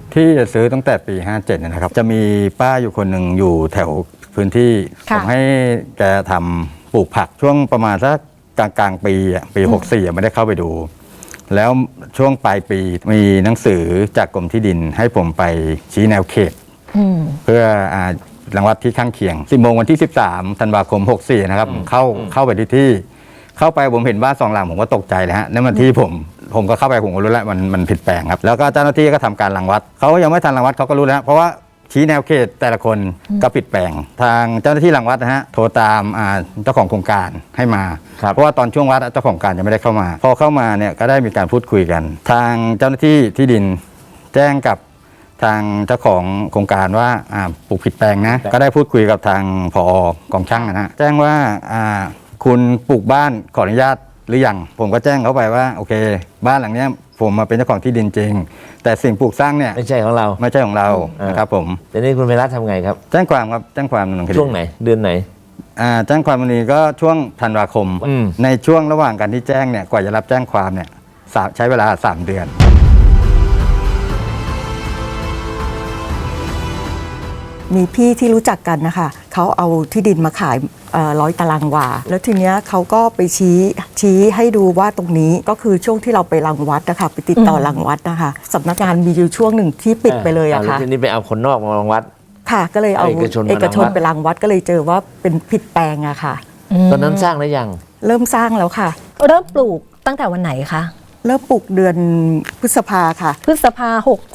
ที่จะซื้อตั้งแต่ปี 57นะครับจะมีป้าอยู่คนหนึ่งอยู่แถวพื้นที่ผมให้แกทำปลูกผักช่วงประมาณสักกลางปีปี64ไม่ได้เข้าไปดูแล้วช่วงปลายปีมีหนังสือจากกรมที่ดินให้ผมไปชี้แนวเขตเพื่อรังวัดที่ข้างเคียง10 โมงวันที่13 ธันวาคม 64นะครับเข้าไปที่เข้าไปผมเห็นบ้าน2 หลังผมก็ตกใจเลยฮะนั่นมันที่ผมก็เข้าไปผมก็รู้แล้วมันผิดแปลงครับแล้วก็เจ้าหน้าที่ก็ทำการรังวัดเขายังไม่ทันรังวัดเขาก็รู้แล้วเพราะว่าชี้แนวเขตแต่ละคนก็ผิดแปลงทางเจ้าหน้าที่รังวัดนะฮะโทรตามเจ้าของโครงการให้มาเพราะว่าตอนช่วงวัดเจ้าของการยังไม่ได้เข้ามาพอเข้ามาเนี่ยก็ได้มีการพูดคุยกัน ทางเจ้าหน้าที่ที่ดินแจ้งกับทางเจ้าของโครงการว่าปลูกผิดแปลงนะก็ได้พูดคุยกับทางผอกองช่างนะฮะแจ้งว่าคุณปลูกบ้านขออนุญาตหรือยังผมก็แจ้งเขาไปว่าโอเคบ้านหลังนี้ผมมาเป็นเจ้าของที่ดินจริงแต่สิ่งปลูกสร้างเนี่ยไม่ใช่ของเรานะครับผมทีนี้คุณไพรัตน์ทำไงครับแจ้งความครับแจ้งความดำเนินคดีช่วงไหนเดือนไหนแจ้งความวันนี้ก็ช่วงธันวาคมในช่วงระหว่างการที่แจ้งเนี่ยกว่าจะรับแจ้งความเนี่ยใช้เวลา3 เดือนมีพี่ที่รู้จักกันนะคะเขาเอาที่ดินมาขาย100 ตารางวาแล้วทีเนี้ยเขาก็ไปชี้ให้ดูว่าตรงนี้ก็คือช่วงที่เราไปรังวัดนะคะไปติดต่อรังวัดนะคะสำนักงานมีอยู่ช่วงหนึ่งที่ปิดไปเลยอะค่ะทีนี้ไปเอาคนนอกมารังวัดค่ะก็เลยเอาเอกชนไปรังวัดก็เลยเจอว่าเป็นผิดแปลงอะค่ะตอนนั้นสร้างหรือยังเริ่มสร้างแล้วค่ะเริ่มปลูกตั้งแต่วันไหนคะเริ่มปลูกเดือนพฤษภาค่ะพฤษภา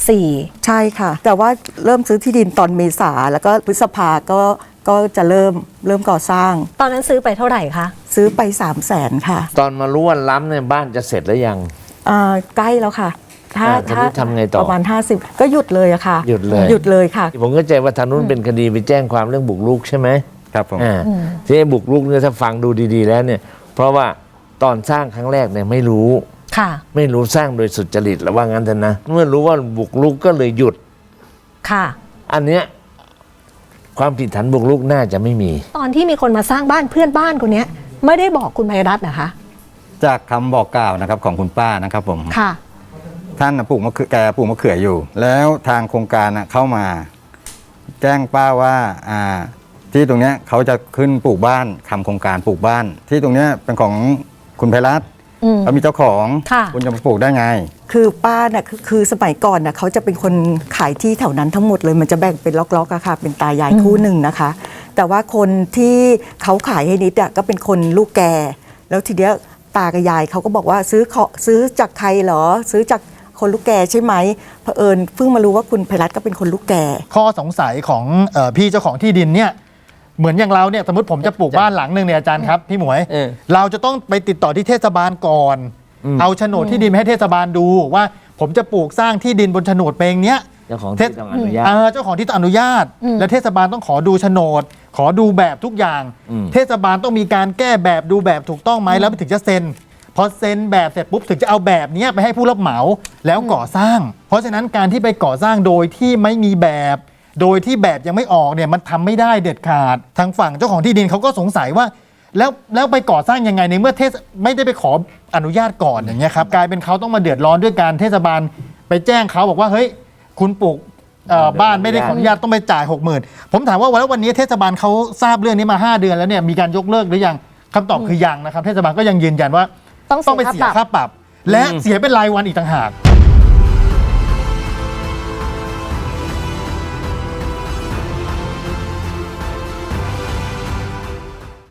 64 ใช่ค่ะแต่ว่าเริ่มซื้อที่ดินตอนเมษาแล้วก็พฤษภาก็จะเริ่มก่อสร้างตอนนั้นซื้อไปเท่าไหร่คะซื้อไป300,000ค่ะตอนมารู้ว่าล้ำเนี่ยบ้านจะเสร็จแล้วยังใกล้แล้วค่ะถ้าทำไงต่อประมาณ50ก็หยุดเลยอะค่ะหยุดเลยค่ะผมเข้าใจว่าทางนู้นเป็นคดีไปแจ้งความเรื่องบุกรุกใช่ไหมครับผมที่บุกรุกเนี่ยถ้าฟังดูดีๆแล้วเนี่ยเพราะว่าตอนสร้างครั้งแรกเนี่ยไม่รู้สร้างโดยสุจริตหรือว่างั้นเถอะนะเมื่อรู้ว่าบุกรุกก็เลยหยุดค่ะอันเนี้ยความผิดฐานบุกรุกน่าจะไม่มีตอนที่มีคนมาสร้างบ้านเพื่อนบ้านคนนี้ไม่ได้บอกคุณไพรัตน์นะคะจากคำบอกกล่าวนะครับของคุณป้านะครับผมค่ะท่านปลูกแกปลูกมะเขืออยู่แล้วทางโครงการเข้ามาแจ้งป้าว่าที่ตรงนี้เขาจะขึ้นปลูกบ้านทำโครงการปลูกบ้านที่ตรงนี้เป็นของคุณไพรัตน์เขามีเจ้าของคุณจะมาปลูกได้ไงคือป้าเนี่ยคือสมัยก่อนน่ะเขาจะเป็นคนขายที่แถวนั้นทั้งหมดเลยมันจะแบ่งเป็นล็อกๆอะค่ะเป็นตายายคู่หนึ่งนะคะแต่ว่าคนที่เขาขายให้นิดก็เป็นคนลูกแก่แล้วทีเดียวตากับยายเขาก็บอกว่าซื้อจากใครเหรอซื้อจากคนลูกแก่ใช่ไหมเผอิญเพิ่งมารู้ว่าคุณไพรัตน์ก็เป็นคนลูกแก่ข้อสงสัยของพี่เจ้าของที่ดินเนี่ยเหมือนอย่างเราเนี่ยสมมติผมจะปลูกบ้านหลังหนึ่งเนี่ยอาจารย์ครับพี่หมวยเราจะต้องไปติดต่อที่เทศบาลก่อนเอาโฉนดที่ดินให้เทศบาลดูว่าผมจะปลูกสร้างที่ดินบนโฉนดแปลงเนี้ยเจ้าของที่ต้องอนุญาตเจ้าของที่ต้องอนุญาตและเทศบาลต้องขอดูโฉนดขอดูแบบทุกอย่างเทศบาลต้องมีการแก้แบบดูแบบถูกต้องไหมแล้วถึงจะเซ็นพอเซ็นแบบเสร็จปุ๊บถึงจะเอาแบบนี้ไปให้ผู้รับเหมาแล้วก่อสร้างเพราะฉะนั้นการที่ไปก่อสร้างโดยที่ไม่มีแบบโดยที่แบบยังไม่ออกเนี่ยมันทำไม่ได้เด็ดขาดทางฝั่งเจ้าของที่ดินเขาก็สงสัยว่าแล้วไปก่อสร้างยังไงในเมื่อไม่ได้ไปขออนุญาตก่อนอย่างเงี้ยครับกลายเป็นเขาต้องมาเดือดร้อนด้วยการเทศบาลไปแจ้งเขาบอกว่าเฮ้ยคุณปลูกบ้านไม่ได้ขออนุญาตต้องไปจ่าย 60,000ผมถามว่าวันนี้เทศบาลเขาทราบเรื่องนี้มา5 เดือนแล้วเนี่ยมีการยกเลิกหรือยังคำตอบคือยังนะครับเทศบาลก็ยังยืนยันว่าต้องไปเสียค่าปรับและเสียเป็นรายวันอีกต่างหาก